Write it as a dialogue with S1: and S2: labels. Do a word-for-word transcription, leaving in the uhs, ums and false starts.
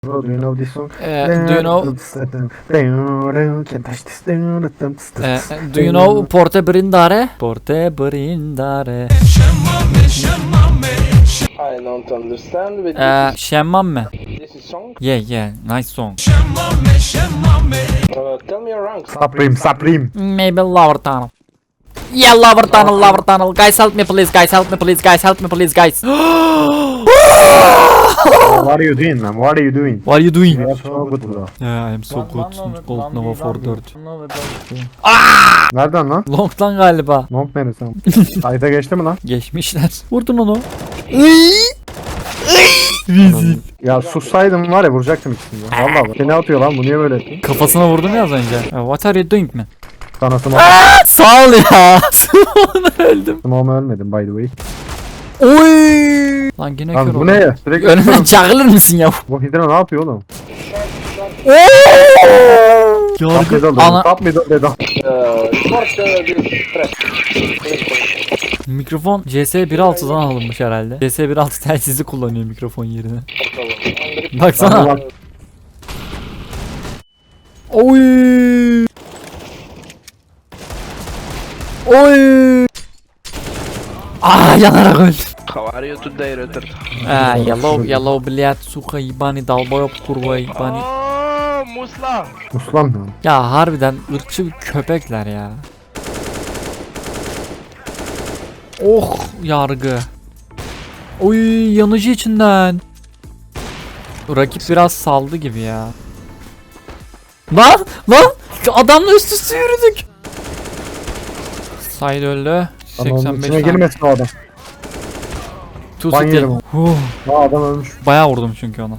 S1: Bro, do you know this song?
S2: Uh, do you know?
S1: Can't touch this.
S2: Uh, do you know Porte Brindare? Porte Brindare.
S3: I don't understand, but
S2: Uh, Şemmame.
S3: this is song.
S2: Yeah, yeah, nice song.
S3: Uh, tell me your rank.
S1: Supreme, Supreme.
S2: Maybe lower tunnel. Yeah, lower tunnel, lower tunnel. Guys, help me, please. Guys, help me, please. Guys, help me, please. Guys.
S1: What are you doing, man? What are you doing?
S2: What are you doing?
S1: You are so good, bro.
S2: Yeah, I'm so good. Gold Nova four dört.
S1: Nereden lan?
S2: Long'dan galiba.
S1: Long neresi lan? Kayda geçti mi lan?
S2: Geçmişler. Vurdun onu.
S1: Ya sussaydım var ya vuracaktım ikisini. ya. Vallahi bak. Seni atıyor lan, bu niye böyle ettin?
S2: Kafasına vurdum ya az önce. Uh, What are you doing man?
S1: Sanatım
S2: Sağ ol ya. Sonra öldüm.
S1: Ama ölmedim by the way.
S2: Oy. Lan yine kör
S1: Lan bu
S2: oldum.
S1: ne ya? Sürekli
S2: Önümden çağırır mısın ya?
S1: Bu Hidra ne yapıyor oğlum? Top
S2: Yargı
S1: middle dedim.
S2: ana
S1: Top middle dedim.
S3: Uh, short uh, this press.
S2: mikrofon C S bir nokta altıdan alınmış herhalde. C S bir nokta altı telsizi kullanıyor mikrofon yerine. Baksana.
S1: Bak.
S2: Oy. Oy. Ah yanarak öldüm.
S3: How are you today, Ritter?
S2: Ah yellow yellow блядь, сука, ебаный долбоёб kurva ебаный.
S3: Oh, Musla.
S1: Muslan mı?
S2: Ya harbiden ırkçı bir köpekler ya. Oh yargı. Oy yanıcı içinden. Rakip biraz saldı gibi ya. Lan lan adamla üst üste yürüdük. Side öldü.
S1: Ama onun
S2: seksen beş
S1: içine
S2: tane.
S1: girmesin o adam.
S2: Two
S1: ban
S2: city.
S1: yedim.
S2: Huh,
S1: Aa adam ölmüş.
S2: bayağı vurdum çünkü ona.